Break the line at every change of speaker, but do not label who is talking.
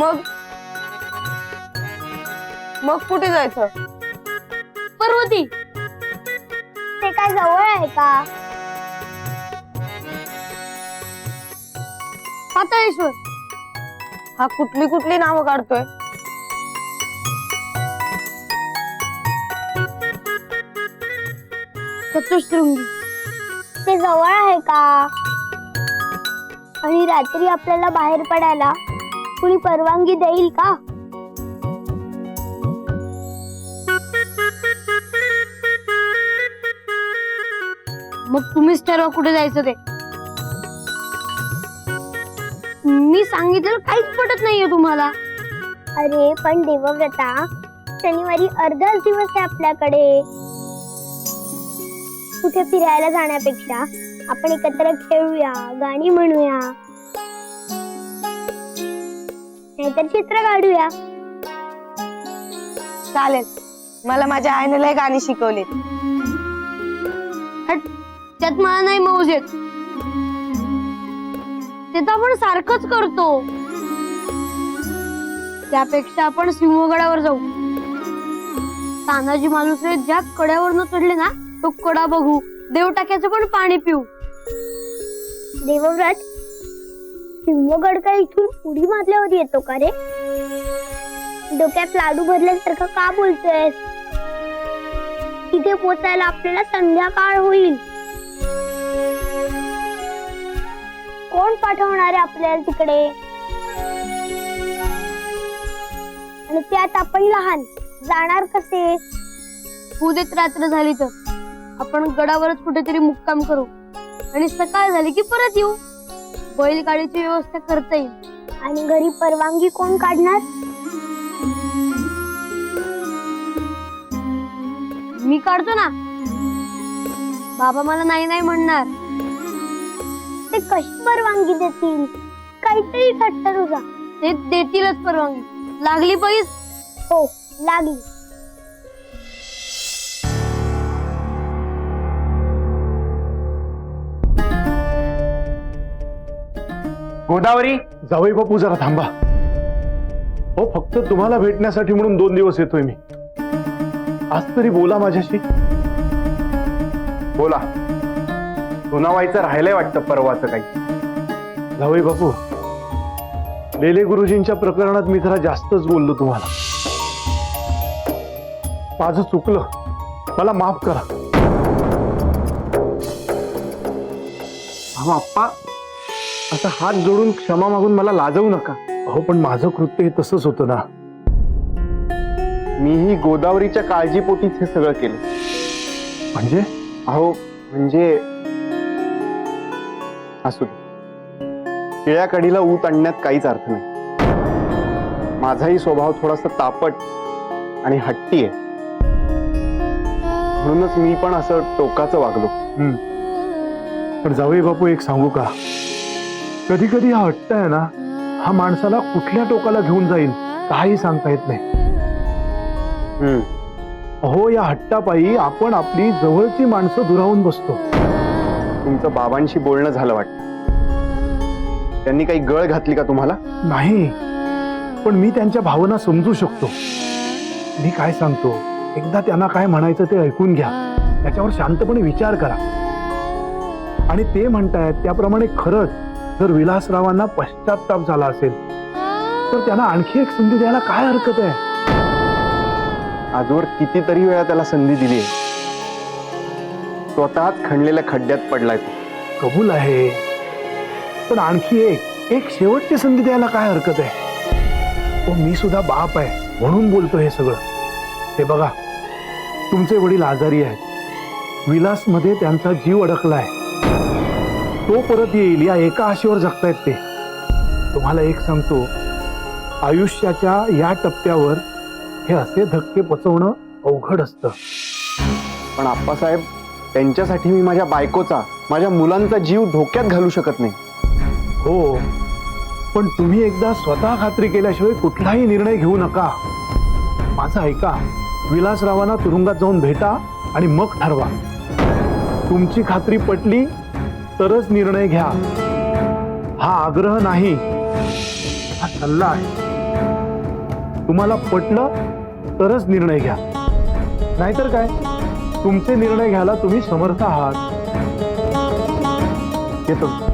मग मग कुठे जायचं?
पर्वती,
ते काय जवळ आहे का?
पाताळेश्वर.
हा कुठली कुठली नावं काढतोय?
चतुशृंगी.
ते जवळ आहे का? आणि रात्री आपल्याला बाहेर पडायला कुणी परवानगी देईल का?
मग तुम्हीच ठरवा कुठे जायचं ते. मी सांगितलं काहीच पटत नाहीये तुम्हाला.
अरे पण देवव्रता, शनिवारी अर्धाच दिवस आहे आपल्याकडे. कुठे फिरायला जाण्यापेक्षा आपण एकत्र खेळूया, गाणी म्हणूया, नाहीतर चित्र काढूया.
चालेल, मला माझ्या आईने लय गाणी शिकवली.
हट, त्यात मला नाही मौज येत. ते तर आपण सारखंच करतो. त्यापेक्षा आपण सिंहगडावर जाऊ. तानाजी मालुसरे ज्या कड्यावरनं चढले ना, तो कडा बघू, देवटाक्याचं पण पाणी पिऊ.
देवव्रत, सिंहगड काय इथून उडी मारल्यावर येतो का रे? डोक्यात लाडू भरल्यासारखं का बोलतोयस? तिथे पोचायला आपल्याला संध्याकाळ होईल. कोण पाठवणार आहे आपल्याला तिकडे? आणि त्यात आपण लहान, जाणार कसे?
उद्याच रात्र झाली तर आपण गडावरच कुठेतरी मुक्काम करू आणि सकाळ झाली की परत येऊ. बैलगाडीची व्यवस्था करता येईल.
आणि घरी परवानगी कोण काढणार?
मी काढतो ना. बाबा मला नाही नाही म्हणणार.
ते कशी परवानगी देतील? काहीतरी थट्ट तुझा.
ते देतीलच परवानगी. लागली पैस.
हो, लागली.
गोदावरी.
जावई बापू जरा थांबा. हो, फक्त तुम्हाला भेटण्यासाठी म्हणून 2 दिवस येतोय मी. आज तरी बोला माझ्याशी.
बोला. सुनावायचं राहिलंय वाटतं परवाचं काही.
जावई बापू, लेले गुरुजींच्या प्रकरणात मी जरा जास्तच बोललो तुम्हाला. माझं चुकलं, मला माफ करा.
अहो आप्पा, आता हात जोडून क्षमा मागून मला लाजवू नका.
हो, पण माझं कृत्य हे तसंच होतं ना.
मीही गोदावरीच्या काळजीपोटीच हे सगळं केलं.
म्हणजे
अहो म्हणजे असू दे. केळ्या कडीला ऊत आणण्यात काहीच अर्थ नाही. माझाही स्वभाव थोडासा तापट आणि हट्टी आहे. म्हणूनच मी पण असं टोकाचं वागलो.
पण जावई बापू, एक सांगू का, कधी कधी हा हट्ट आहे ना, हा माणसाला कुठल्या टोकाला घेऊन जाईल काही सांगता येत नाही. हो, या हट्टापायी आपण आपली जवळची माणसं दुरावून बसतो.
तुमचं बाबांशी बोलणं झालं वाटतं. त्यांनी काही गळ घातली का तुम्हाला?
नाही, पण मी त्यांच्या भावना समजू शकतो. मी काय सांगतो, एकदा त्यांना काय म्हणायचं ते ऐकून घ्या. त्याच्यावर शांतपणे विचार करा. आणि ते म्हणतायत त्याप्रमाणे खरंच जर विलासरावांना पश्चाताप झाला असेल तर त्यांना आणखी एक संधी द्यायला काय हरकत आहे?
आजवर कितीतरी वेळा त्याला संधी दिली आहे. स्वतःच खणलेल्या खड्ड्यात पडलाय तो.
कबूल आहे, पण आणखी एक शेवटची संधी द्यायला काय हरकत आहे? हो, मी सुद्धा बाप आहे म्हणून बोलतो हे सगळं. हे बघा, तुमचे वडील आजारी आहेत. विलासमध्ये त्यांचा जीव अडकलाय. तो परत येईल या एका आशेवर जगतायत ते. तुम्हाला एक सांगतो, आयुष्याच्या या टप्प्यावर हे असे धक्के पचवणं अवघड असतं.
पण आप्पासाहेब, त्यांच्यासाठी मी माझ्या बायकोचा, माझ्या मुलांचा जीव धोक्यात घालू शकत नाही.
हो, पण तुम्ही एकदा स्वतः खात्री केल्याशिवाय कुठलाही निर्णय घेऊ नका. माझं ऐका, विलासरावांना तुरुंगात जाऊन भेटा आणि मग ठरवा. तुमची खात्री पटली तरच निर्णय घ्या. हा आग्रह नाही, हा सल्ला आहे. तुम्हाला पटलं तरच निर्णय घ्या, नाहीतर काय तुमचे निर्णय घ्यायला तुम्ही समर्थ आहात. येतो.